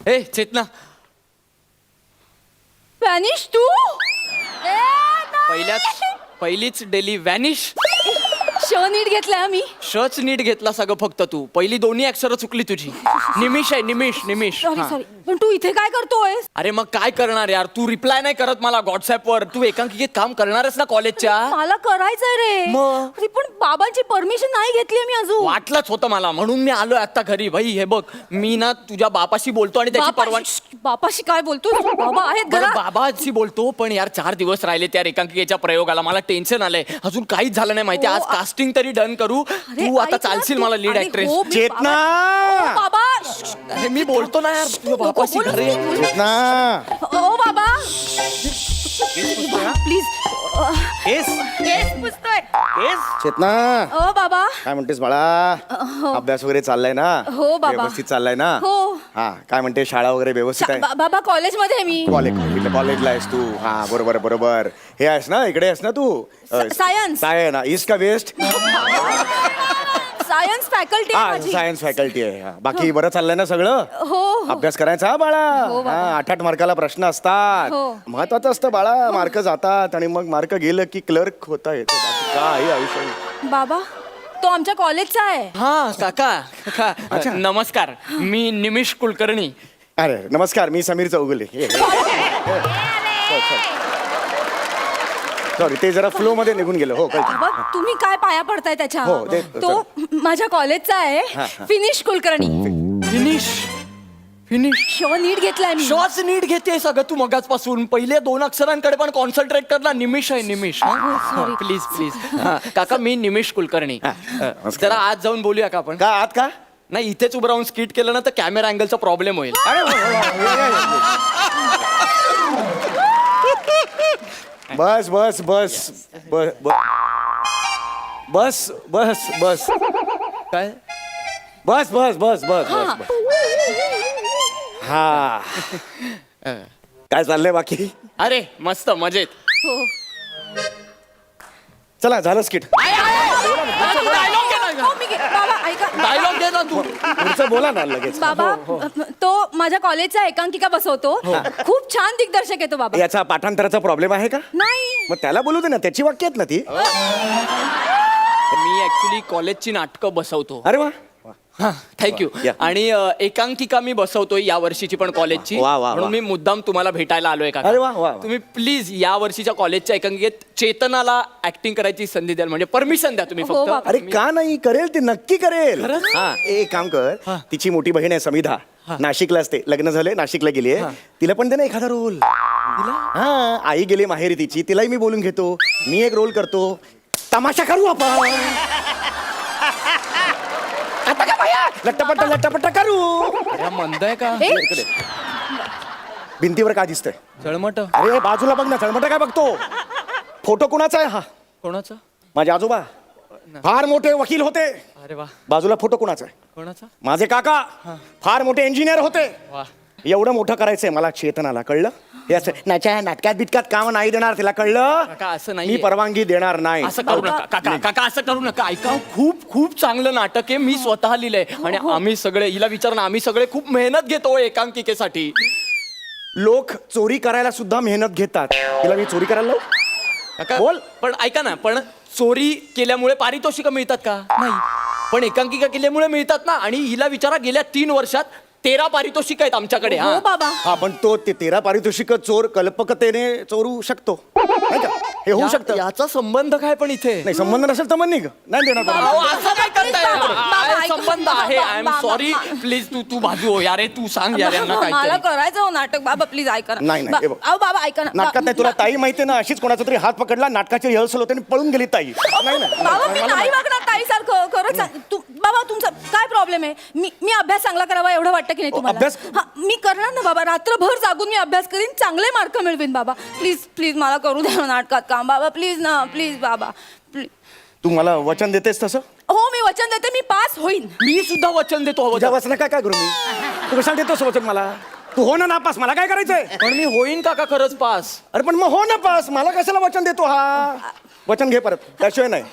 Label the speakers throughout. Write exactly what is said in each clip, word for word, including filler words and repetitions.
Speaker 1: ए चेतना,
Speaker 2: vanish तू
Speaker 1: पहिल्याच पहिलीच daily vanish.
Speaker 2: श नीट घेतलाय आम्ही.
Speaker 1: शच नीट घेतला सगळं फक्त तू. पहिली दोन्ही अक्षर चुकली तुझी. निमिष आहे निमिष निमिष.
Speaker 2: सॉरी
Speaker 1: हा.
Speaker 2: सॉरी पण तू इथे काय करतोय?
Speaker 1: अरे मग काय करणार यार, तू रिप्लाय नाही करत मला व्हॉट्सअप वर. तू एकांकिकेत काम करणारच ना कॉलेजच्या.
Speaker 2: मला करायचंय रे.
Speaker 1: मग?
Speaker 2: अरे पण बाबांची परमिशन नाही घेतली मी अजून.
Speaker 1: वाटलंच होतं मला, म्हणून मी आलोय आता घरी. भाई हे बघ, मी ना तुझ्या बापाशी बोलतो आणि त्याची परवानगी.
Speaker 2: बापाशी बापाशी काय बोलतो? बाबा आहेत
Speaker 1: बरं,
Speaker 2: घरात.
Speaker 1: बाबाशी बोलतो, पण यार चार दिवस राहिले त्या एकांकिकेच्या प्रयोगाला. मला टेन्शन आलंय, अजून काहीच झालं नाही माहिती.
Speaker 2: हो,
Speaker 1: आज
Speaker 2: आ-
Speaker 1: कास्टिंग तरी डन करू.
Speaker 2: अरे,
Speaker 1: तू आता
Speaker 2: ऐक ना,
Speaker 1: चालशील
Speaker 2: तू-
Speaker 1: मला लीड
Speaker 2: अरे,
Speaker 1: ऍक्ट्रेस.
Speaker 2: हो, मी
Speaker 3: चेतना!
Speaker 2: बाबा- ओ, बाबा
Speaker 1: अरे मी बोलतो ना यार तुझ्या बापाशी
Speaker 2: बोलू,
Speaker 1: घरी.
Speaker 2: बोलू.
Speaker 3: चेतना!
Speaker 2: ओ बाबा प्लीज.
Speaker 3: केस
Speaker 2: केस पुसतोय.
Speaker 3: केस चेतना,
Speaker 2: ओ बाबा.
Speaker 3: काय म्हणतेस बाळा? अभ्यास वगैरे चाललाय ना?
Speaker 2: हो, बाबा.
Speaker 3: व्यवस्थित चाललाय ना?
Speaker 2: हो.
Speaker 3: हा, काय म्हणते, शाळा वगैरे व्यवस्थित आहे?
Speaker 2: बा- बाबा कॉलेजमध्ये आहे मी.
Speaker 3: कॉलेज कॉलेजला आहेस तू? हा, बरोबर बरोबर. हे आहेस ना, इकडे आहेस ना तू?
Speaker 2: सा- सायन्स.
Speaker 3: साय ना, ईस्ट का वेस्ट?
Speaker 2: सायन्स फॅकल्टी आहे
Speaker 3: हा,
Speaker 2: माझी.
Speaker 3: सायन्स फॅकल्टी आहे. हा, बाकी बरं चाललंय ना सगळं?
Speaker 2: हो हो.
Speaker 3: अभ्यास करायचा हा बाळा.
Speaker 2: हो, बाबा.
Speaker 3: हा, आठ आठ मार्काला प्रश्न असतात.
Speaker 2: हो.
Speaker 3: महत्वाचं असतं बाळा. मार्क जातात आणि मग मार्क गेलं की क्लर्क होता येतो. बाकी काय आयुष्य आहे.
Speaker 2: बाबा तो आमच्या कॉलेजचा आहे.
Speaker 1: हा काका काका नमस्कार, मी निमिष कुलकर्णी.
Speaker 3: अरे नमस्कार, मी समीर चौगुले. सॉरी, ते जरा फ्लो मध्ये निघून गेलं. हो, कळतं.
Speaker 2: बाबा तुम्ही काय पाया पडताय त्याच्या?
Speaker 3: हो, ते-
Speaker 2: तो माझ्या कॉलेजचा आहे.
Speaker 3: हा, हा.
Speaker 2: फिनिश कुलकर्णी.
Speaker 1: Finish finish.
Speaker 2: श नीट घेतलाय मी.
Speaker 1: श्वास नीट घेते सगळं तू मगाचपासून. पहिले दोन अक्षरांकडे पण कॉन्सन्ट्रेट कर ना. निमिष आहे निमिष.
Speaker 2: sorry.
Speaker 1: Please please. काका मी निमिष कुलकर्णी.
Speaker 3: नमस्कार.
Speaker 1: जरा आज जाऊन बोलूया का आपण?
Speaker 3: का आत का?
Speaker 1: नाही, इथेच उभं राहून स्किट केलं ना तर कॅमेरा अँगलचा प्रॉब्लेम होईल.
Speaker 3: अरे वा, वा, वा, या, या, या. बस बस बस बस बस बस बस
Speaker 1: काय?
Speaker 3: बस बस बस बस बस हा. काय चाललंय बाकी?
Speaker 1: अरे मस्त मजेत.
Speaker 2: हो.
Speaker 3: चला, झालं स्किट.
Speaker 1: डायलॉग दे
Speaker 2: हो, मी घे- बाबा ऐका.
Speaker 1: डायलॉग दे ना तू.
Speaker 3: पुढचं बोला ना लगेच.
Speaker 2: बाबा तो माझ्या कॉलेजचा एकांकिका बसवतो. खूप छान दिग्दर्शक आहे तो बाबा.
Speaker 3: याचा पाठांतराचा प्रॉब्लेम आहे का?
Speaker 2: नाही.
Speaker 3: मग त्याला बोलू दे ना, त्याची वाक्य आहेत ना ती.
Speaker 1: मी ऍक्च्युली कॉलेजची नाटकं बसवतो.
Speaker 3: अरे वा.
Speaker 1: हा, थँक्यू.
Speaker 3: या.
Speaker 1: आणि अ, एकांकिका मी बसवतोय या वर्षीची पण कॉलेजची.
Speaker 3: वा, वा, वा.
Speaker 1: म्हणून मी मुद्दाम तुम्हाला भेटायला आलोय का.
Speaker 3: अरे वा, वा, वा.
Speaker 1: तुम्ही प्लीज या वर्षीच्या कॉलेजच्या एकांकिकेत चेतनाला ऍक्टिंग करायची संधी द्याल, म्हणजे परमिशन द्या तुम्ही
Speaker 2: हो,
Speaker 1: फक्त.
Speaker 2: बाबा.
Speaker 3: अरे का नाही, करेल ती, नक्की करेल.
Speaker 1: खरंच?
Speaker 3: हा, एक काम कर, तिची मोठी बहीण आहे समिधा, नाशिकला असते, लग्न झालंय, नाशिकला गेली आहे. तिला पण दे ना एखादा रोल. हा, आई गेली माहेरी तिची, तिलाही मी बोलून घेतो. मी एक रोल करतो, तमाशा करू आपण. आता का भैया? लट्टापट्टा लट्टापट्टा करू.
Speaker 1: अरे, मंद आहे का?
Speaker 2: ए,
Speaker 3: इकडे. भिंतीवर काय दिसतंय?
Speaker 1: जळमट.
Speaker 3: अरे बाजूला बघ ना, चळमटा काय बघतो? फोटो कुणाचा आहे हा?
Speaker 1: कोणाचा?
Speaker 3: माझे आजोबा फार मोठे वकील होते.
Speaker 1: अरे वा.
Speaker 3: बाजूला फोटो कुणाचा आहे?
Speaker 1: कोणाचा?
Speaker 3: माझे काका फार मोठे इंजिनियर होते.
Speaker 1: वा.
Speaker 3: एवढं मोठं करायचंय मला चेतनाला, कळलं? हे असं नाच्या नाटकात बिटकात काम नाही देणार तिला, कळलं?
Speaker 1: काका, असं
Speaker 3: मी
Speaker 1: नाहीये.
Speaker 3: परवानगी देणार नाही.
Speaker 1: असं करू नका काका. काका असं करू नका. ऐका, खूप खूप चांगलं नाटक आहे. मी स्वतः लिहिलंय आणि आम्ही सगळे, हिला विचार ना, आम्ही सगळे खूप मेहनत घेतो एकांकिकेसाठी.
Speaker 3: लोक चोरी करायला सुद्धा मेहनत घेतात. तिला मी चोरी करायला लावू?
Speaker 1: काका
Speaker 3: बोल.
Speaker 1: पण ऐका ना, पण चोरी केल्यामुळे पारितोषिकं मिळतात का? नाही. पण एकांकिका केल्यामुळे मिळतात ना. आणि हिला विचारा, गेल्या तीन वर्षात तेरा पारितोषिक आहेत आमच्याकडे.
Speaker 2: हो
Speaker 1: हा
Speaker 2: बाबा.
Speaker 3: हा, पण तो ते तेरा पारितोषिक चोर कल्पकतेने चोरू शकतो, नाही का? हे होऊ
Speaker 1: या-
Speaker 3: शकतं.
Speaker 1: याचा संबंध काय पण इथे?
Speaker 3: नाही, संबंध नसेल तर मग निघ, नाही देणार
Speaker 2: बाबा,
Speaker 1: अहो,
Speaker 3: परवानगी.
Speaker 1: असं काय करताय?
Speaker 2: बाबा, बाबा,
Speaker 1: आहे,
Speaker 2: ऐका.
Speaker 1: संबंध आहे. आय एम
Speaker 2: बाबा,
Speaker 1: सॉरी.
Speaker 2: बाबा.
Speaker 1: प्लीज तू तू बाजू हो यार. तू सांग यार यांना
Speaker 2: मला
Speaker 1: काय.
Speaker 2: करायचं हो नाटक. बाबा प्लीज ऐका ना.
Speaker 3: नाही, नाही,
Speaker 2: बा-
Speaker 3: हे बघ.
Speaker 2: अहो बाबा ऐका ना.
Speaker 3: नाटकात नाही, तुला ताई माहितीये ना, अशीच कोणाचा तरी हात पकडला, नाटकाची रिहर्सल होते आणि पळून गेली ताई. नाही ना,
Speaker 2: बाबा मी
Speaker 3: मला-
Speaker 2: नाही वागणार ताई सारखं. खरंच सांग. तू बाबा तुमचा काय प्रॉब्लेम आहे? मी मी अभ्यास चांगला करावा एवढं वाटतं की नाही तुम्हाला?
Speaker 3: अभ्यास?
Speaker 2: हा, मी करणार ना बाबा. रात्रभर जागून मी अभ्यास करीन, चांगले मार्क मिळवीन बाबा. प्लीज प्लीज मला करू द्या ना नाटकात काम बाबा. प्लीज ना, प्लीज बाबा प्लीज.
Speaker 3: तू मला वचन देतेस तसं?
Speaker 2: हो मी वचन देते, मी पास होईन.
Speaker 1: मी सुद्धा वचन देतो.
Speaker 3: तुझ्या वचन काय काय करू मी? तू कशाला देतोस वचन मला? तू हो ना नापास, मला काय करायचंय?
Speaker 1: पण मी होईन काका खरंच पास.
Speaker 3: अरे पण मग हो ना पास, मला कशाला वचन देतो हा? वचन घे परत, त्याशिवाय नाही.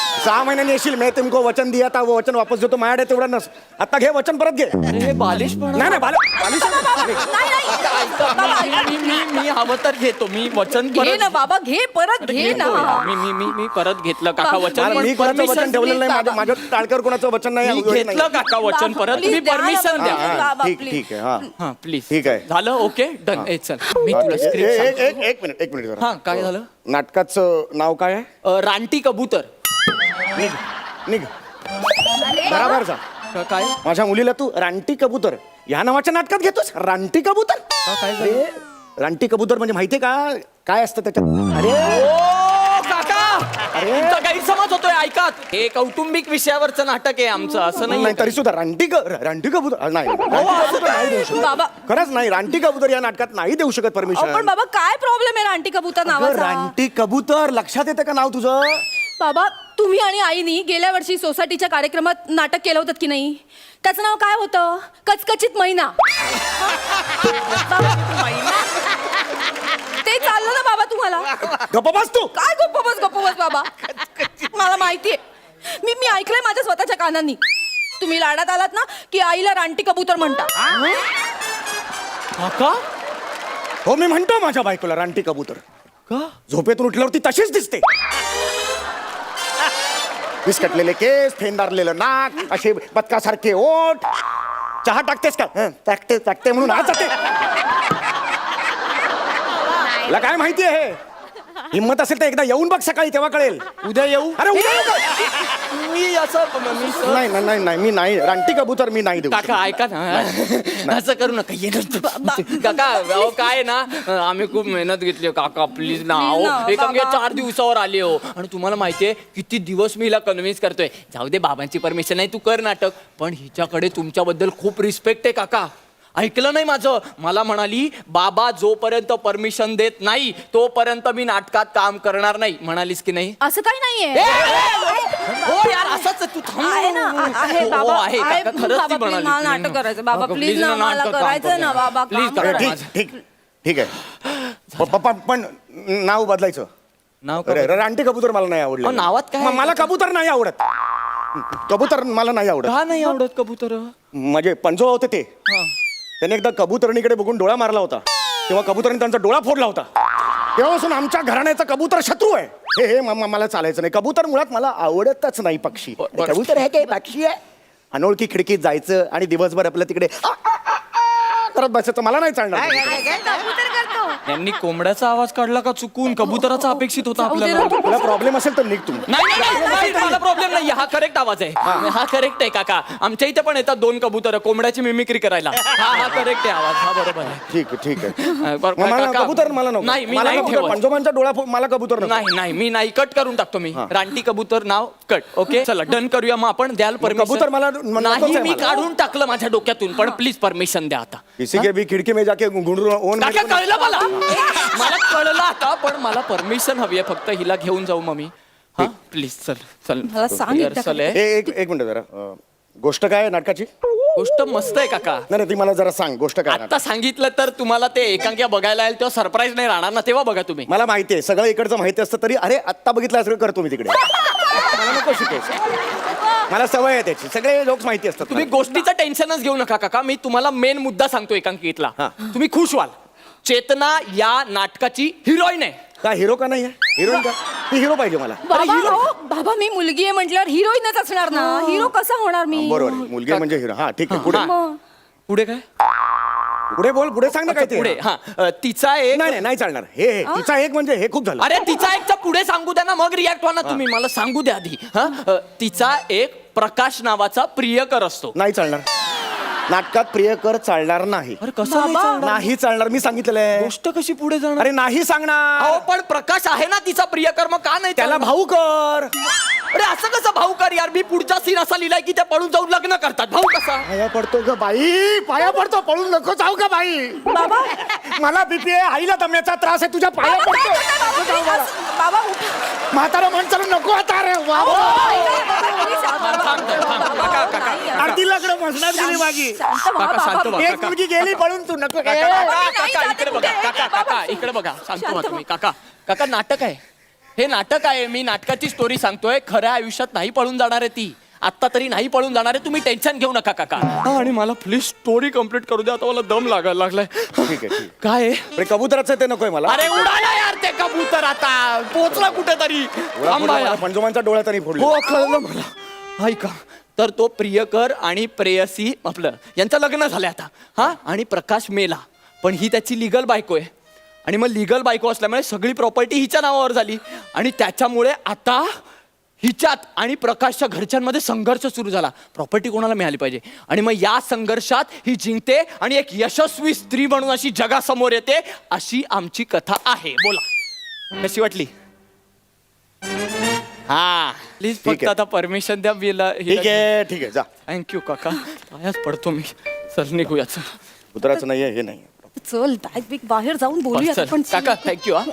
Speaker 3: सहा महिन्यांनी येशील मी तुमको वचन दिया था वो वचन वापस देतो माझ्याकडे तेवढं नस आता घे वचन परत घे
Speaker 1: अरे हे बालिश पण
Speaker 3: नाही नाही बाल- बालिश
Speaker 2: नाही नाही
Speaker 1: मी मी मी हवं तर घेतो मी वचन
Speaker 2: घे
Speaker 1: परत
Speaker 2: ना बाबा घे परत घे ना
Speaker 1: मी मी मी मी परत घेतलं काका
Speaker 2: बाबा,
Speaker 1: वचन
Speaker 3: मला-
Speaker 1: पण
Speaker 3: मी कोणाचं
Speaker 1: permission
Speaker 3: वचन ठेवलेलं नाही माझ्या
Speaker 2: बाबा.
Speaker 3: माझ्या टाळकर कोणाचं वचन नाही
Speaker 1: मी
Speaker 3: योजना नाही.
Speaker 1: घेतलं काका वचन
Speaker 2: बाबा,
Speaker 1: परत
Speaker 2: please
Speaker 1: तुम्ही
Speaker 2: द्या ना
Speaker 1: परमिशन
Speaker 2: बाबा.
Speaker 1: द्या
Speaker 3: हा, हा,
Speaker 2: बाबा,
Speaker 3: ठीक
Speaker 2: please.
Speaker 3: ठीक आहे हा
Speaker 1: हा प्लीज
Speaker 3: ठीक आहे.
Speaker 1: झालं ओके डन ए चल मी तुला
Speaker 3: ए- ए-
Speaker 1: स्क्रिप्ट
Speaker 3: एक एक- एक मिनिट एक मिनिट जरा.
Speaker 1: हा काय झालं
Speaker 3: नाटकाचं नाव काय आहे
Speaker 1: अ, रानटी कबूतर
Speaker 3: निघ निघ बराबर जा
Speaker 1: का- काय
Speaker 3: माझ्या मुलीला तू रानटी कबूतर या नावाच्या नाटकात घेतोस रानटी कबूतर
Speaker 1: काय झालं?
Speaker 3: अरे, रानटी कबूतर म्हणजे माहितीये का काय असतं त्याच्यात अरे
Speaker 1: ओ काका तुमचा गैरसमज होतोय ऐका हे कौटुंबिक विषयावरचं नाटक आहे आमचं असं
Speaker 3: नाही
Speaker 1: नाही
Speaker 3: तरी सुद्धा रानटी क- रानटी कबूतर नाही रानटी कबूतर नाही देऊ शकत
Speaker 2: बाबा
Speaker 3: खरंच नाही रानटी कबूतर या नाटकात नाही देऊ शकत
Speaker 2: अहो, पण
Speaker 3: परमिशन
Speaker 2: बाबा काय प्रॉब्लेम आहे रानटी कबूतर नावाचा
Speaker 3: रानटी कबूतर लक्षात येतं का नाव तुझं
Speaker 2: बाबा तुम्ही आणि आईनी गेल्या वर्षी सोसायटीच्या कार्यक्रमात नाटक केलं होतं की नाही त्याचं नाव काय होतं कचकचित मैना बाबा, ते चाललं ना बाबा तुम्हाला
Speaker 3: गप्प बस तू
Speaker 2: काय गप्प बस गप्प बस बाबा मला माहितीये मी मी ऐकलंय माझ्या स्वतःच्या कानांनी तुम्ही लाडात आलात ना की आईला रानटी कबूतर म्हणता
Speaker 1: काका
Speaker 3: हो मी म्हणतो माझ्या बायकोला रानटी कबूतर
Speaker 1: का
Speaker 3: झोपेतून उठल्यावर ती तशीच दिसते विस्कटलेले केस फेंदारलेलं नाक असे बदकासारखे ओठ चहा टाकतेस का हं, टाकते टाकते म्हणून आज जाते तुला काय माहिती आहे हिंमत असेल तर एकदा येऊन बघ सकाळी तेव्हा कळेल
Speaker 1: उद्या येऊ
Speaker 3: अरे उद्या येऊ का?
Speaker 1: मी असं मी सर-
Speaker 3: नाही नाही, नाही नाही मी नाही रानटी कबूतर मी नाही देऊ
Speaker 1: काका ऐका ना असं करू नका ये ना. काका अहो काय ना आम्ही खूप मेहनत घेतली काका प्लीज ना
Speaker 2: Please ना,
Speaker 1: अहो एका
Speaker 2: बाबा.
Speaker 1: चार दिवसावर आले हो आणि तुम्हाला माहितीये किती दिवस मी हिला कन्व्हिन्स करतोय जाऊ दे बाबांची परमिशन नाही तू कर नाटक पण हिच्याकडे तुमच्याबद्दल खूप रिस्पेक्ट आहे काका ऐकलं नाही माझं मला म्हणाली बाबा जोपर्यंत परमिशन देत नाही तोपर्यंत मी नाटकात काम करणार नाही म्हणालीस की नाही
Speaker 2: असं काही नाहीये
Speaker 1: हो यार असंच आहे, तू थांब.
Speaker 2: आहे ना आ- आहे
Speaker 1: हो,
Speaker 2: बाबा
Speaker 1: आहे
Speaker 2: आहे.
Speaker 1: काका, खरंच ती
Speaker 2: बाबा, please,
Speaker 1: म्हणाली.
Speaker 2: मला नाटक करायचं बाबा
Speaker 1: काका,
Speaker 2: प्लीज
Speaker 1: please
Speaker 2: ना
Speaker 1: ना,
Speaker 2: मला
Speaker 1: नाटक काम
Speaker 2: करायचं
Speaker 1: करू.
Speaker 2: ना बाबा
Speaker 1: Please
Speaker 2: काम
Speaker 1: करा.
Speaker 2: करायचं.
Speaker 3: ठीक ठीक ठीक आहे प- पप्पा पण नाव बदलायचं
Speaker 1: नाव
Speaker 3: अरे
Speaker 1: का?
Speaker 3: रानटी कबूतर मला नाही आवडलं
Speaker 1: अहो, नावात काय
Speaker 3: म- मला कबूतर नाही आवडत कबूतर मला नाही आवडत
Speaker 1: का नाही आवडत कबूतर
Speaker 3: म्हणजे पंजोबा होते ते त्याने एकदा कबुतरणीकडे बघून डोळा मारला होता तेव्हा कबुतरणी त्यांचा डोळा फोडला होता तेव्हापासून आमच्या घराण्याचा कबूतर शत्रू आहे हे हे म- म- मला चालायचं नाही कबूतर मुळात मला आवडतच नाही पक्षी
Speaker 1: ब- ब-
Speaker 3: कबूतर आहे काय पक्षी आहे अनोळखी खिडकीत जायचं आणि दिवसभर आपलं तिकडे आ, आ, आ, आ करत बसायचं मला नाही चालणार
Speaker 1: त्यांनी कोंबड्याचा आवाज काढला का चुकून कबुतराचा अपेक्षित होता
Speaker 2: जाऊ दे
Speaker 1: आपल्याला
Speaker 2: ना.
Speaker 3: तुला प्रॉब्लेम असेल तर निघ तुम्ही
Speaker 1: नाही नाही, नाही, नाही, मला प्रॉब्लेम नाही हा करेक्ट आवाज आहे हा करेक्ट आहे काका आमच्या इथे पण येतात दोन कबूतर कोंबड्याची मिमिक्री करायला हा हा करेक्ट आहे आवाज हा बरोबर आहे
Speaker 3: ठीक आहे ठीक आहे
Speaker 1: अ, बर-
Speaker 3: मग मला
Speaker 1: काका,
Speaker 3: कबूतर मला नको
Speaker 1: नाही मी
Speaker 3: मला
Speaker 1: नाही
Speaker 3: नको,
Speaker 1: ठेवत
Speaker 3: पंजोबांचा डोळा फो- मला कबूतर नको
Speaker 1: नाही नाही मी नाही कट करून टाकतो मी रानटी कबूतर नाव कट ओके चला डन करूया मग आपण द्याल परमिशन
Speaker 3: कबूतर मला- म- नकोच
Speaker 1: नाही
Speaker 3: आहे
Speaker 1: मी
Speaker 3: मला.
Speaker 1: काढून टाकलं माझ्या डोक्यातून पण प्लीज परमिशन द्या आता
Speaker 3: किसी के भी खिडकी में जाके गुंडरू ओन
Speaker 1: काका कळलं मला मला कळलं आता पण मला परमिशन हवी आहे फक्त हिला घेऊन जाऊ मग मी हा प्लीज चल चल
Speaker 2: मला सांग एकदा
Speaker 1: चल आहे.
Speaker 3: ए- एक एक मिनिट जरा अं, गोष्ट काय आहे नाटकाची
Speaker 1: गोष्ट मस्त आहे काका
Speaker 3: नाही नाही, ती मला जरा सांग गोष्ट काय आहे
Speaker 1: आता सांगितलं तर तुम्हाला ते एकांकिका बघायला येईल तेव्हा सरप्राईज नाही राहणार ना तेव्हा बघा तुम्ही
Speaker 3: मला माहिती आहे सगळं इकडचं माहिती असतं तरी अरे आत्ता बघितलं सगळं करतो मी तिकडे मला नको शिकायचं मला सवय आहे त्याची सगळे लोक माहिती असतात
Speaker 1: तुम्ही
Speaker 3: मला.
Speaker 1: गोष्टीचं टेन्शनच घेऊ नका काका मी तुम्हाला मेन मुद्दा सांगतो एकांकिकेतला
Speaker 3: हा.
Speaker 1: तुम्ही खुश व्हाल चेतना या नाटकाची हिरोईन आहे
Speaker 3: का हिरो का नाही आहे हिरोईन का ती हिरो पाहिजे मला
Speaker 2: बाबा हो, बाबा मी मुलगी आहे म्हटल्यावर हिरोईनच असणार ना हिरो कसा होणार मी
Speaker 3: बरोबर आहे. मुलगी म्हणजे हिरो हा ठीक आहे पुढे
Speaker 1: हा.
Speaker 2: मग.
Speaker 1: पुढे काय
Speaker 3: पुढे बोल पुढे सांग ना काय ते
Speaker 1: पुढे हा अ, तिचा एक
Speaker 3: नाही नाही नाही चालणार हे हे तिचा एक म्हणजे हे खूप झालं
Speaker 1: अरे तिचा एकचा पुढे सांगू द्या ना मग रिॲक्ट व्हा ना तुम्ही मला सांगू द्या आधी हा अ, तिचा एक प्रकाश नावाचा प्रियकर असतो
Speaker 3: नाही चालणार नाटकात प्रियकर चालणार नाही
Speaker 1: अरे कसं नाही
Speaker 2: बाबा.
Speaker 1: चालणार?
Speaker 3: नाही चालणार मी सांगितलेलं आहे
Speaker 1: गोष्ट कशी पुढे जाणार
Speaker 3: अरे नाही सांगणार
Speaker 1: अहो पण प्रकाश आहे ना तिचा प्रियकर मग का नाही
Speaker 3: त्याला
Speaker 1: चालणार?
Speaker 3: भाऊ कर
Speaker 1: अरे असं कसं भाऊ कर यार मी पुढचा सीन असा लिहिलाय की त्या पळून जाऊन लग्न करतात भाऊ कसा
Speaker 3: पाया पडतो ग बाई पाया पडतो पळून नको जाऊ का बाई
Speaker 2: बाबा
Speaker 3: मला बीपी आहे आईला दम्याचा त्रास आहे तुझ्या पाया
Speaker 2: बाबा, काय
Speaker 3: पडतो
Speaker 2: करताय बाबा? Please, बाबा उठा.
Speaker 3: म्हातारा माणसाला नको आता रे वा
Speaker 2: बाबा,
Speaker 3: वा.
Speaker 2: ऐका, बाबा, please, बाबा,
Speaker 1: थांब, थांब, थांब.
Speaker 2: बाबा,
Speaker 1: काका,
Speaker 2: बाबा,
Speaker 1: काका,
Speaker 2: नाही,
Speaker 1: काका.
Speaker 3: आरती लग्न मसनात गेली माझी
Speaker 2: शांत व्हा,
Speaker 1: काका, शांत
Speaker 2: बाबा.
Speaker 1: व्हा.
Speaker 3: एक मुलगी गेली पळून तू नको
Speaker 1: काका,
Speaker 3: ए,
Speaker 1: काका,
Speaker 2: नाही
Speaker 1: काका,
Speaker 2: जाते
Speaker 1: इकडे बघा
Speaker 2: कुठे?
Speaker 1: काका
Speaker 2: बाबा,
Speaker 1: काका इकडे बघा शांत व्हा
Speaker 2: शांत
Speaker 1: तुम्ही काका काका नाटक आहे हे नाटक आहे, मी नाटकाची स्टोरी सांगतोय. खऱ्या आयुष्यात नाही पळून जाणार आहे ती. आत्ता तरी नाही पळून जाणार आहे. तुम्ही टेन्शन घेऊ नका काका. हा, आणि मला प्लीज स्टोरी कम्प्लीट करू द्या. आता मला दम लागायला लागलाय.
Speaker 3: ठीक आहे ठीक आहे.
Speaker 1: काय आहे?
Speaker 3: अरे कबुतराचं ते नकोय मला.
Speaker 1: अरे उडाला यार ते कबूतर, आता पोचला कुठेतरी. थांबा यार.
Speaker 3: पंजोमांचा डोळा तरी फोडला.
Speaker 1: हो कळलं मला. ऐका, तर तो प्रियकर आणि प्रेयसी आपलं यांचं लग्न झालंय आता. हा, आणि प्रकाश मेला, पण ही त्याची लिगल बायको आहे. आणि मग लिगल बायको असल्यामुळे सगळी प्रॉपर्टी हिच्या नावावर झाली. आणि त्याच्यामुळे आता हिच्यात आणि प्रकाशच्या घरच्यांमध्ये संघर्ष सुरू झाला. प्रॉपर्टी कोणाला मिळाली पाहिजे. आणि मग या संघर्षात ही जिंकते आणि एक यशस्वी स्त्री म्हणून अशी जगासमोर येते. अशी आमची कथा आहे. बोला, कशी वाटली? हा, प्लीज
Speaker 3: ठीक
Speaker 1: फक्त
Speaker 3: आहे.
Speaker 1: आता परमिशन द्या. बिला
Speaker 3: ठीक आहे ठीक आहे जा.
Speaker 1: थँक्यू काका. पायाच पडतो मी. चल निघूयाच.
Speaker 3: कुत्राचं नाहीये हे नाही.
Speaker 2: चल बॅग बिग बाहेर जाऊन बोलूया
Speaker 1: चल,
Speaker 2: पण
Speaker 1: काका थँक्यू. हा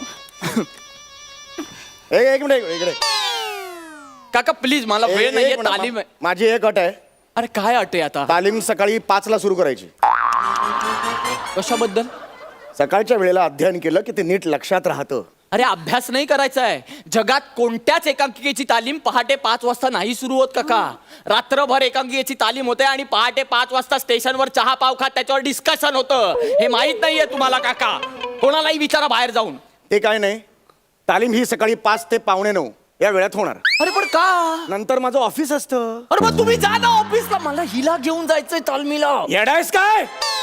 Speaker 3: ए, एक मिनिट इकडे.
Speaker 1: काका प्लीज, मला
Speaker 3: ए,
Speaker 1: वेळ
Speaker 3: एक
Speaker 1: नाहीये.
Speaker 3: मिनिट,
Speaker 1: तालीम
Speaker 3: मा-
Speaker 1: आहे.
Speaker 3: माझी एक अट आहे.
Speaker 1: अरे काय अटे आता?
Speaker 3: तालीम सकाळी पाच ला सुरू करायची.
Speaker 1: कशाबद्दल?
Speaker 3: सकाळच्या वेळेला अध्ययन केलं की ते नीट लक्षात राहतं.
Speaker 1: अरे अभ्यास नाही करायचा आहे. जगात कोणत्याच एकांकिकेची तालीम पहाटे पाच वाजता नाही सुरू होत काका. रात्रभर एकांकिकेची तालीम होते आणि पहाटे पाच वाजता स्टेशनवर चहा पाव खात त्याच्यावर डिस्कशन होतं. हे माहित नाहीये तुम्हाला काका. कोणालाही विचारा बाहेर जाऊन.
Speaker 3: ते काय नाही, तालीम ही सकाळी पाच ते पावणे नऊ या वेळात होणार.
Speaker 1: अरे पण का?
Speaker 3: नंतर माझं ऑफिस असतं.
Speaker 1: अरे मग तुम्ही जा ना ऑफिसला. मला हिला घेऊन जायचंय तालमीला.
Speaker 3: येडायस काय?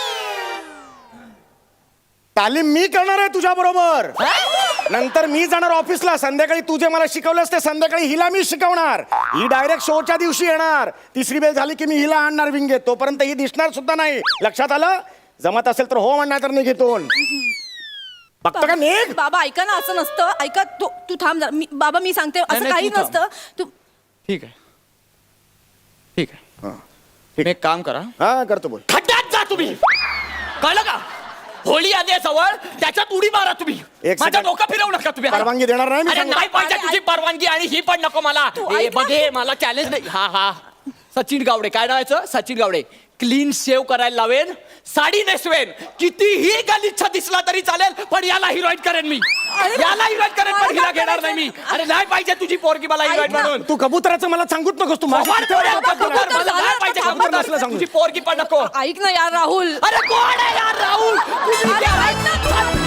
Speaker 3: तालीम मी करणार आहे तुझ्या बरोबर. नंतर मी जाणार ऑफिसला. संध्याकाळी तू जे मला शिकवलंस ते संध्याकाळी हिला मी शिकवणार. ही डायरेक्ट शोच्या दिवशी येणार. तिसरी बेल झाली की मी हिला आणणार विंगेत. तोपर्यंत ही दिसणार सुद्धा नाही. लक्षात आलं? जमत असेल तर हो म्हणणार, तर नाही घेतोन. बघतो का निघ.
Speaker 2: बाबा ऐका ना, असं नसतं. ऐका तू तू थांब जरा. मी- बाबा मी सांगते असं
Speaker 1: नाही,
Speaker 2: काही
Speaker 1: तू थांब.
Speaker 2: नसतं. तू
Speaker 1: ठीक आहे ठीक आहे.
Speaker 3: हा.
Speaker 1: तुम्ही एक काम करा.
Speaker 3: हा करतो बोल.
Speaker 1: खड्ड्यात जा तुम्ही. कळलं का? होळी आली आहे जवळ, त्याच्यात उडी मारा तुम्ही.
Speaker 3: एक
Speaker 1: माझ्या
Speaker 3: second.
Speaker 1: डोकं फिरवू नका तुम्ही.
Speaker 3: परवानगी देणार नाही मी
Speaker 1: अरे
Speaker 3: सांगतो.
Speaker 1: नाही पाहिजे
Speaker 2: अरे,
Speaker 1: तुझी परवानगी आणि ही पण नको मला.
Speaker 2: तू
Speaker 1: ए,
Speaker 2: ऐक ना.
Speaker 1: बघे मला चॅलेंज नाही. हा हा सचिन गावडे. काय नावायचं? सचिन गावडे. क्लीन शेव करायला लावेन, साडी नेसवेन, कितीही गलिच्छ दिसला तरी चालेल, पण याला हिरोईन करेन मी.
Speaker 2: अरे,
Speaker 1: याला हिरोईन करेन,
Speaker 2: मला
Speaker 1: पण हिला
Speaker 2: काय
Speaker 1: घेणार नाही मी. अरे नाही पाहिजे तुझी पोरगी मला हिरोईन
Speaker 2: ना.
Speaker 1: म्हणून.
Speaker 3: तू कबुतराचं मला सांगूच नकोस. तू माझ्या-
Speaker 1: कबूतर, कबूतर,
Speaker 2: कबूतर
Speaker 1: मला
Speaker 2: झालं,
Speaker 1: नाही पाहिजे
Speaker 2: आता
Speaker 1: कबूतर.
Speaker 3: कबूतर नसलं सांगू.
Speaker 1: तुझी पोरगी पण नको.
Speaker 2: ऐक ना यार राहुल.
Speaker 1: अरे कोण आहे यार राहुल? तुम्ही
Speaker 2: अरे,
Speaker 1: क्या-
Speaker 2: ऐक ना तू.